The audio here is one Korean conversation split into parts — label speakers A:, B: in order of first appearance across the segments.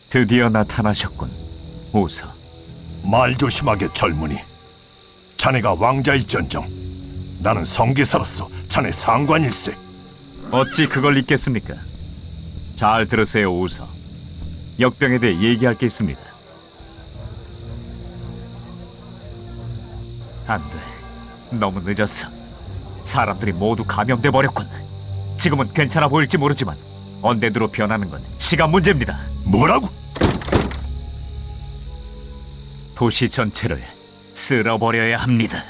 A: 드디어 나타나셨군, 오서.
B: 말 조심하게 젊은이. 자네가 왕자일전정 나는 성기사로서 자네 상관일세.
A: 어찌 그걸 잊겠습니까? 잘 들으세요, 오서. 역병에 대해 얘기할 게 있습니다. 안 돼. 너무 늦었어. 사람들이 모두 감염돼 버렸군. 지금은 괜찮아 보일지 모르지만 언데드로 변하는 건 시간 문제입니다.
B: 뭐라고?
A: 도시 전체를 쓸어버려야 합니다.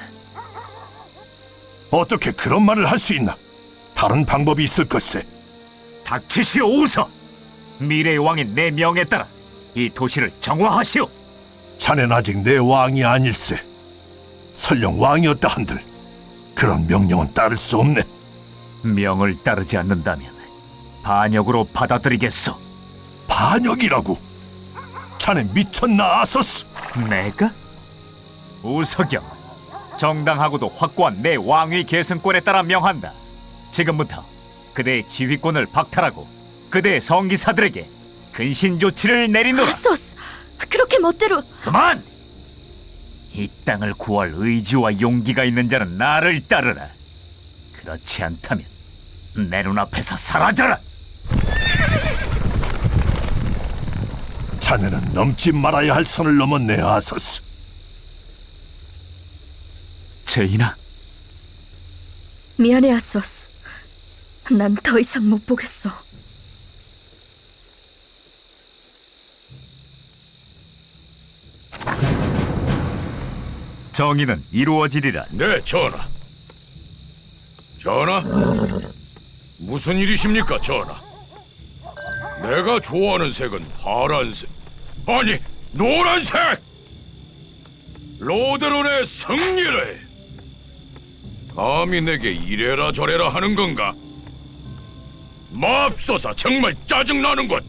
B: 어떻게 그런 말을 할 수 있나? 다른 방법이 있을 것세.
A: 닥치시오, 오서. 미래의 왕인 내 명에 따라 이 도시를 정화하시오.
B: 자넨 아직 내 왕이 아닐세. 설령 왕이었다 한들 그런 명령은 따를 수 없네.
A: 명을 따르지 않는다면 반역으로 받아들이겠소.
B: 반역이라고? 자네 미쳤나, 아서스?
A: 내가? 우석영, 정당하고도 확고한 내 왕위 계승권에 따라 명한다. 지금부터 그대의 지휘권을 박탈하고 그대의 성기사들에게 근신 조치를 내리노라.
C: 아소스, 그렇게 멋대로.
A: 그만! 이 땅을 구할 의지와 용기가 있는 자는 나를 따르라. 그렇지 않다면 내 눈앞에서 사라져라.
B: 자네는 넘지 말아야 할 선을 넘었네, 아서스.
A: 제이나,
C: 미안해, 아소스. 난 더 이상 못 보겠어.
A: 정의는 이루어지리라.
D: 네, 전하. 전하? 무슨 일이십니까, 전하? 내가 좋아하는 색은 파란색. 아니, 노란색! 로드론의 승리를! 감히 내게 이래라 저래라 하는 건가? 맙소사, 정말 짜증나는군!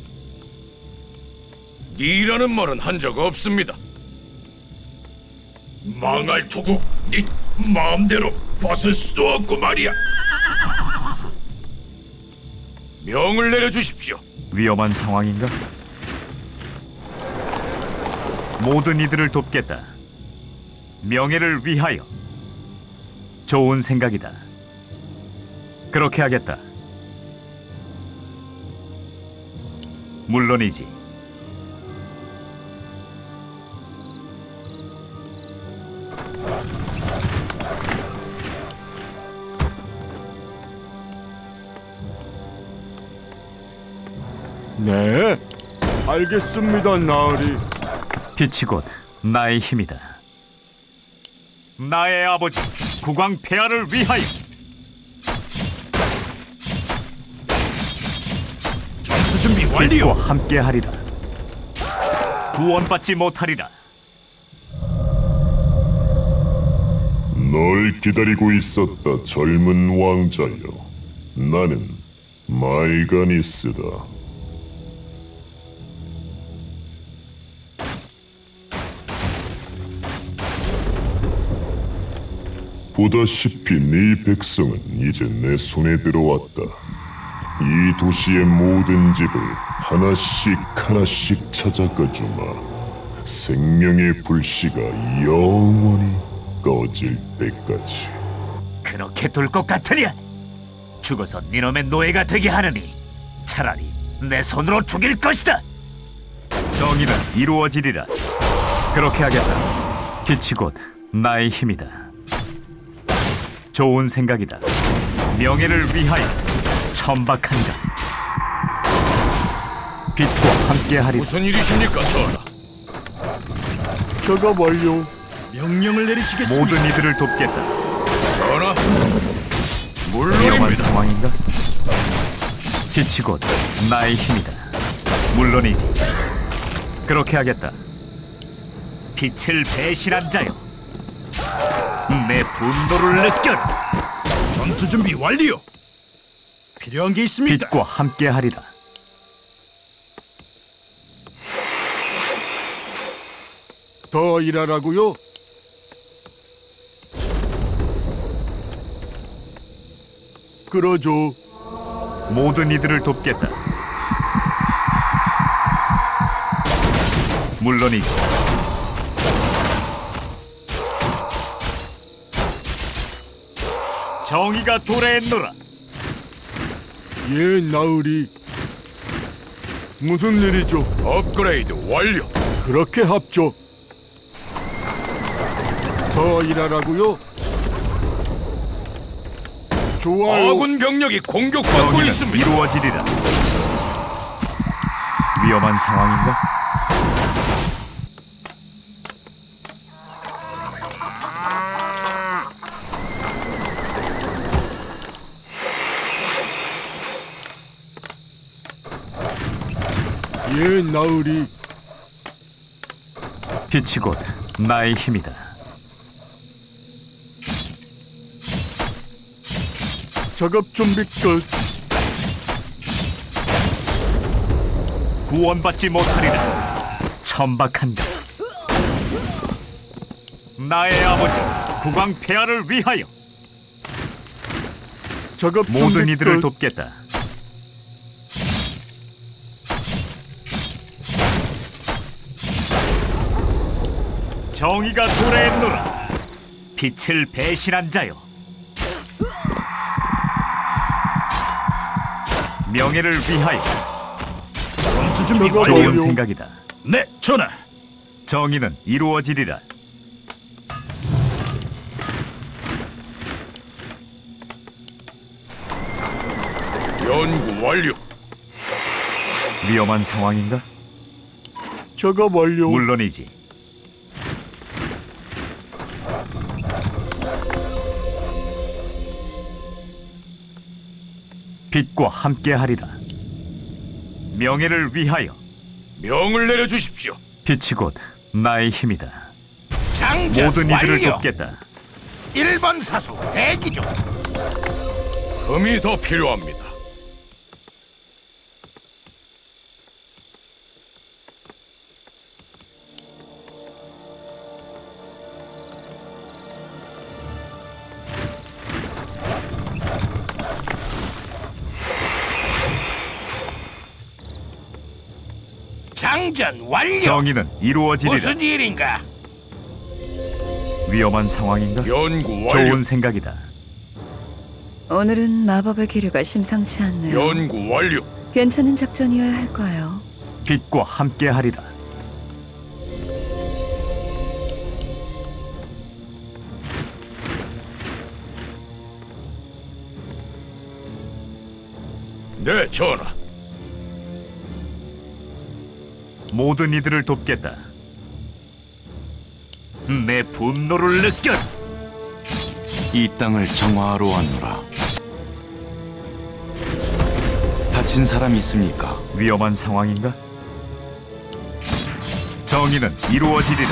D: 니라는 말은 한 적 없습니다. 망할 토국, 네 마음대로 벗을 수도 없고 말이야. 명을 내려주십시오.
A: 위험한 상황인가? 모든 이들을 돕겠다. 명예를 위하여. 좋은 생각이다. 그렇게 하겠다. 물론이지.
E: 네, 알겠습니다, 나으리.
A: 빛이 곧 나의 힘이다. 나의 아버지 국왕 폐하를 위하여.
B: 전투 준비
A: 빛과
B: 완료.
A: 함께하리라. 구원받지 못하리라.
F: 널 기다리고 있었다, 젊은 왕자여. 나는 말가니스다. 보다시피 네 백성은 이제 내 손에 들어왔다. 이 도시의 모든 집을 하나씩 하나씩 찾아가주마. 생명의 불씨가 영원히 꺼질 때까지.
A: 그렇게 둘 것 같으냐? 죽어서 니놈의 노예가 되게 하느니 차라리 내 손으로 죽일 것이다. 정의는 이루어지리라. 그렇게 하겠다. 빛이 곧 나의 힘이다. 좋은 생각이다. 명예를 위하여 천박한가. 빛과 함께하리라.
D: 무슨 일이십니까, 전하?
E: 작업 완료.
B: 명령을 내리시겠습니다.
A: 모든 이들을 돕겠다.
D: 전하?
A: 위험한
D: 물론입니다.
A: 상황인가? 빛이 곧 나의 힘이다. 물론이지. 그렇게 하겠다. 빛을 배신한 자여, 내 분노를 느껴라.
B: 전투 준비 완료. 필요한 게 있습니다.
A: 빛과 함께하리라.
E: 더 일하라고요? 그러죠.
A: 모든 이들을 돕겠다. 물론이지. 정의가 도래했노라.
E: 예, 나으리. 무슨 일이죠?
D: 업그레이드 완료.
E: 그렇게 합죠. 더 일하라고요? 좋아요.
D: 아군 병력이 공격받고
A: 정의는
D: 있습니다.
A: 이루어지리라. 위험한 상황인가?
E: 예, 나으리.
A: 빛이 곧 나의 힘이다.
E: 작업 준비 끝.
A: 구원받지 못하리라. 천박한다. 나의 아버지 국왕 폐하를 위하여
E: 작업
A: 모든
E: 준비
A: 이들을
E: 끝.
A: 돕겠다. 정의가 도래했노라. 빛을 배신한 자여. 명예를 위하여.
D: 전투 준비
E: 저거
A: 좋은
E: 완료.
A: 생각이다.
D: 네, 전하.
A: 정의는 이루어지리라.
D: 연구 완료.
A: 위험한 상황인가?
E: 작업 완료.
A: 물론이지. 빛과 함께하리라. 명예를 위하여.
D: 명을 내려주십시오.
A: 빛이 곧 나의 힘이다.
D: 장전
A: 모든 이들을
D: 완료.
A: 돕겠다.
D: 1번 사수 대기 중. 금이 더 필요합니다. 장전 완료.
A: 정의는 이루어지리라.
D: 무슨 일인가?
A: 위험한 상황인가?
D: 연구 완료.
A: 좋은 생각이다.
C: 오늘은 마법의 기류가 심상치 않네요.
D: 연구 완료.
C: 괜찮은 작전이어야 할 거예요.
A: 빛과 함께하리라.
D: 네, 전하.
A: 모든 이들을 돕겠다. 내 분노를 느껴.
G: 이 땅을 정화하러 왔노라. 다친 사람 있습니까?
A: 위험한 상황인가? 정의는 이루어지리라.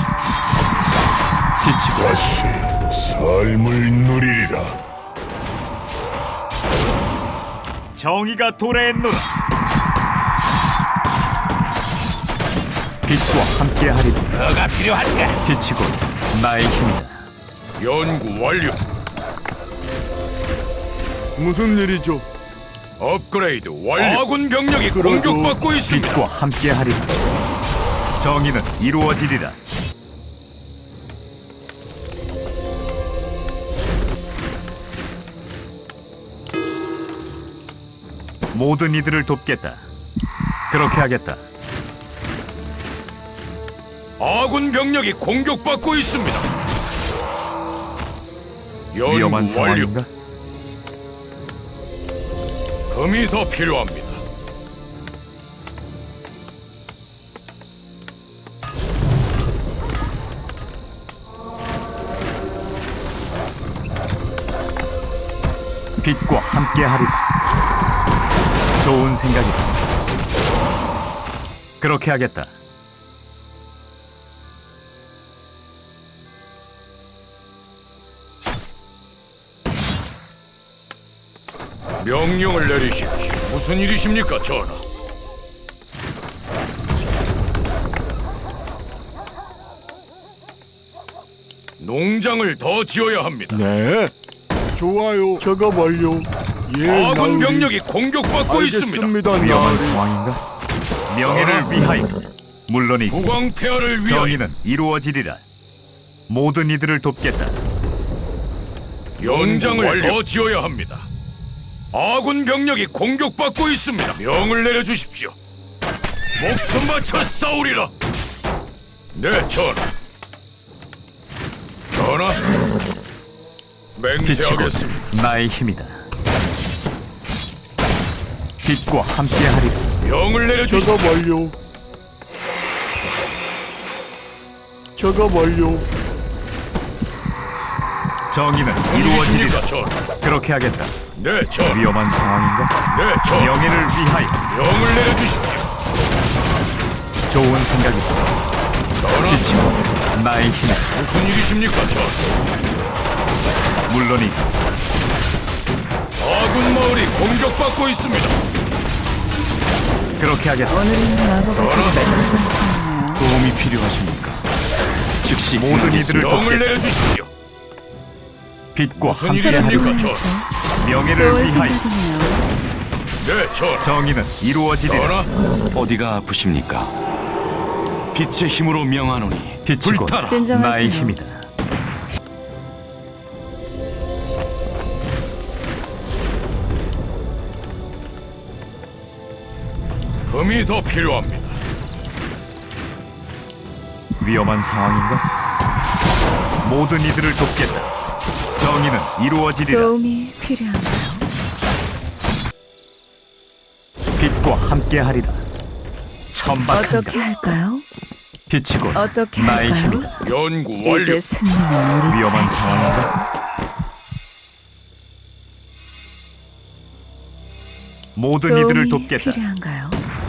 A: 빛이 곧
F: 다시 삶을 누리리라.
A: 정의가 도래했노라. 빛과 함께하리라.
D: 뭐가 필요한가?
A: 빛이 곧 나의 힘이다.
D: 연구 완료.
E: 무슨 일이죠?
D: 업그레이드 완료. 아군 병력이
E: 그러죠.
D: 공격받고 있습니다.
A: 빛과 함께하리라. 정의는 이루어지리라. 모든 이들을 돕겠다. 그렇게 하겠다.
D: 아군 병력이 공격받고 있습니다. 연구
A: 위험한
D: 완료.
A: 상황인가?
D: 금이 더 필요합니다.
A: 빛과 함께하리라. 좋은 생각이다. 그렇게 하겠다.
D: 명령을 내리십시오. 무슨 일이십니까, 전하? 농장을 더 지어야 합니다.
E: 네. 좋아요. 작업 완료. 예,
D: 아군
E: 나으리.
D: 병력이 공격받고 있습니다.
E: 알겠습니다,
A: 위험한
E: 나으리.
A: 상황인가? 명예를 위하여. 물론이지.
D: 국왕 폐하를 위하여
A: 정의는 이루어지리라. 모든 이들을 돕겠다.
D: 연장을 더 지어야 합니다. 아군 병력이 공격받고 있습니다. 명을 내려주십시오. 목숨 바쳐 싸우리라. 네, 전하. 전하.
A: 빛이
D: 맹세하겠습니다.
A: 곧 나의 힘이다. 빛과 함께하리라.
D: 명을 내려주십시오.
E: 작업 완료. 작업 완료.
A: 정의는
D: 무슨
A: 이루어지리라.
D: 일이십니까, 전하?
A: 그렇게 하겠다.
D: 네, 전하.
A: 위험한 상황인가?
D: 네, 전하.
A: 명예를 위하여.
D: 명을 내려주십시오.
A: 좋은 생각이다.
D: 전하.
A: 빛이 곧 나의 힘이다.
D: 무슨 일이십니까, 전하?
A: 물론이지.
D: 아군 마을이 공격받고 있습니다.
A: 그렇게 하겠다.
C: 오늘은 마법의
D: 전하.
C: 기회가 심상치
G: 도움이 필요하십니까? 즉시
A: 모든
G: 행하겠습니다.
A: 이들을
D: 명을
A: 돕겠다.
D: 내려주십시오.
A: 빛과
D: 무슨
A: 함께하리라.
D: 일이십니까,
C: 않아요.
D: 전하?
A: 명예를
C: 좋은
A: 위하여.
C: 생각이네요.
D: 네, 전하.
A: 정의는 이루어지리라.
D: 전하.
G: 어디가 아프십니까? 빛의 힘으로 명하노니
A: 빛이 곧
G: 불타라.
C: 진정하세요.
A: 나의 힘이다.
D: 금이 더 필요합니다.
A: 위험한 상황인가? 모든 이들을 돕겠다. 정의는 이루어지리라.
C: 도움이 필요한가요?
A: 빛과 함께하리라. 천박한가?
C: 어떻게 할까요?
A: 빛이 곧
C: 어떻게
A: 나의
C: 할까요?
A: 힘이다.
D: 연구 완료.
C: 이제 승리는 우리
A: 위험한
C: 차례.
A: 상황인가? 모든 이들을
C: 도움이
A: 돕겠다.
C: 필요한가요?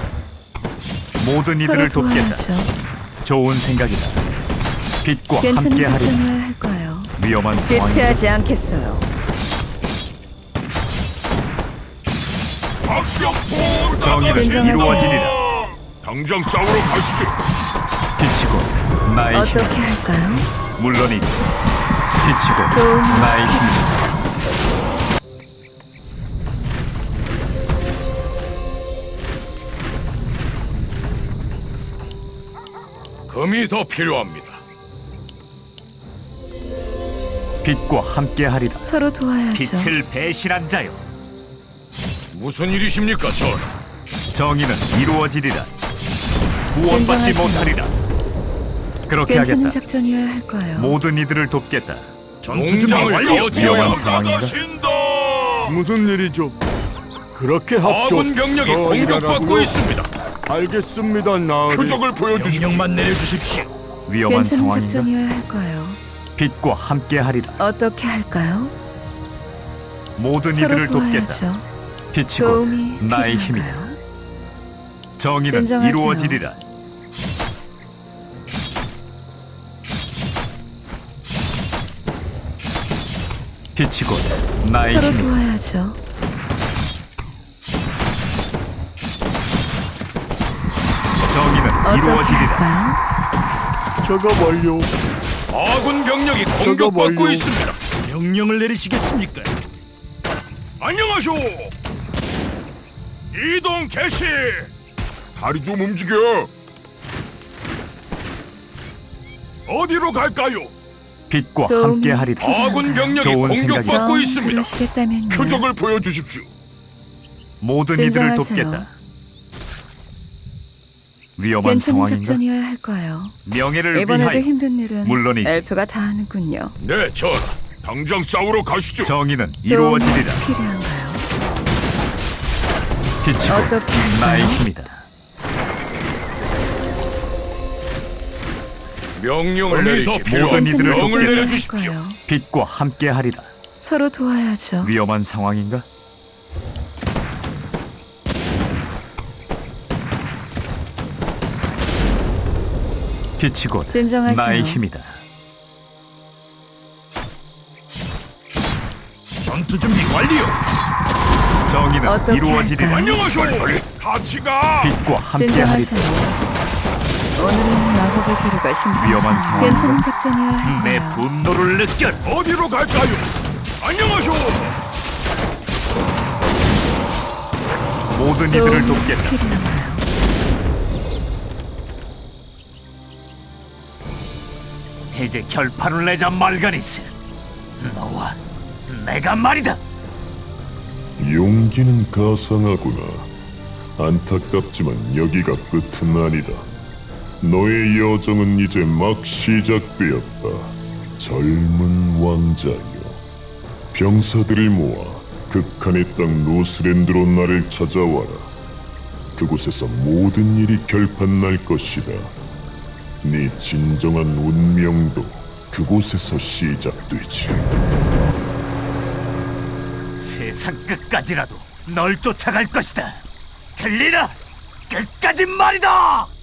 A: 모든
C: 서로
A: 이들을 돕겠다.
C: 도와야죠.
A: 좋은 생각이다. 빛과
C: 괜찮은
A: 함께하리라.
C: 작전이어야 할까요?
A: 위험한 상황인가?
C: 대체하지 않겠어요.
D: 박격포
A: 정의는
C: 진정하세요.
A: 이루어지리라.
D: 당장 싸우러 가시죠.
A: 빛이 곧 나의 힘이다.
C: 어떻게 할까요?
A: 물론이지. 빛이 곧
C: 도움이
A: 나의 힘이다.
D: 금이 더 필요합니다.
A: 빛과 함께하리라.
C: 서로 도와야죠.
A: 빛을 배신한 자여.
D: 무슨 일이십니까, 전하?
A: 정의는 이루어지리라. 구원받지
C: 진정하세요.
A: 못하리라. 그렇게
C: 괜찮은
A: 하겠다.
C: 작전이어야 할까요?
A: 모든 이들을 돕겠다.
D: 전투장을 더
A: 위험한
D: 지어야
A: 상황인가?
D: 나가신다.
E: 무슨 일이죠? 그렇게 합죠.
D: 아군 병력이
E: 더
D: 공격받고
E: 일하라고요?
D: 있습니다.
E: 알겠습니다, 나으리.
D: 표적을 보여주십시오. 명령만 내려주십시오.
A: 위험한
C: 괜찮은
A: 상황인가?
C: 작전이어야 할까요?
A: 빛과 함께하리라.
C: 어떻게 할까요?
A: 모든
C: 서로
A: 이들을 돕겠다.
C: 도와야죠.
A: 빛이 곧
C: 도움이
A: 나의 힘이다.
C: 필요한가요?
A: 정의는
C: 진정하세요.
A: 이루어지리라. 빛이 곧 나의
C: 서로
A: 힘이다.
C: 도와야죠.
A: 정의는
C: 어떻게
A: 이루어지리라.
C: 할까요?
E: 작업 완료.
D: 아군 병력이 공격받고
E: 완료.
D: 있습니다. 명령을 내리시겠습니까? 안녕하쇼. 이동 개시.
F: 다리 좀 움직여.
D: 어디로 갈까요?
A: 빛과
C: 도움이
A: 함께하리라.
C: 필요한가요?
D: 아군 병력이
A: 좋은
D: 공격받고
A: 생각이다.
D: 있습니다.
C: 그러시겠다면요.
F: 표적을 보여주십시오.
A: 모든 이들을
C: 진정하세요.
A: 돕겠다. 위험한
C: 괜찮은
A: 상황인가?
C: 작전이어야 할까요?
A: 명예를
C: 이번에도
A: 위하여.
C: 힘든 일은
A: 물론이지.
C: 엘프가 다 하는군요.
D: 네, 전하.
F: 당장 싸우러 가시죠.
A: 정의는
C: 도움이
A: 이루어지리라.
C: 필요한가요?
A: 빛이 곧
C: 어떻게 할까요?
A: 나의 힘이다.
D: 명령을
A: 모든
D: 내리십시오.
A: 이들을
C: 괜찮은
A: 돕겠다.
D: 명을
C: 작전이어야
D: 내려주십시오.
C: 할까요?
A: 빛과 함께하리라.
C: 서로 도와야죠.
A: 위험한 상황인가? 빛이 곧
C: 진정하세요.
A: 나의 힘이다.
D: 전투 준비 완료.
A: 정의는
C: 어떻게
A: 이루어지리라.
C: 할까요?
D: 안녕하쇼. 빨리 같이 가.
A: 빛과 함께하리라.
C: 진정하세요. 오늘은 마법의 기류가 심상치
A: 위험한
C: 않아요.
A: 상황인가?
C: 괜찮은 작전이어야
A: 내
C: 할까요?
A: 분노를 느껴.
D: 어디로 갈까요? 안녕하쇼.
A: 모든 이들을
C: 도움이
A: 돕겠다.
C: 필요한가요?
A: 이제 결판을 내자 말가니스. 너와 내가 말이다.
H: 용기는 가상하구나. 안타깝지만 여기가 끝은 아니다. 너의 여정은 이제 막 시작되었다. 젊은 왕자여, 병사들을 모아 극한의 땅 노스랜드로 나를 찾아와라. 그곳에서 모든 일이 결판날 것이다. 네 진정한 운명도 그곳에서 시작되지.
A: 세상 끝까지라도 널 쫓아갈 것이다. 들리나? 끝까지 말이다.